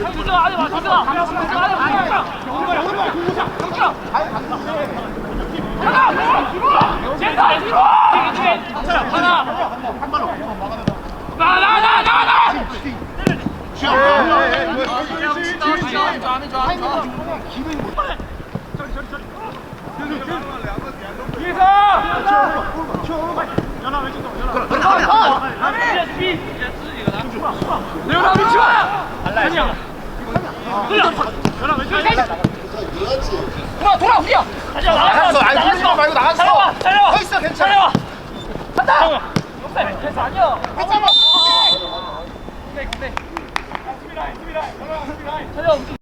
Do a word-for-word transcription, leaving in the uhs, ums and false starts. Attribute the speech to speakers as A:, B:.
A: 뒤져 안에 와 뒤져 안에 와 젠다 뒤로 하나 나나나나나 연아 왼쪽 연아 위치 봐. 아니야. 연아 왼쪽. 돌아 돌아 우리야.
B: 나갔어. 아니 부르지 말고 나갔어.
A: 잘해와.
B: 서 있어 괜찮아.
A: 간다. 패스 아니야.
B: 괜찮아.
A: 근데 근데. 수비 라인 수비 라인. 수비 라인.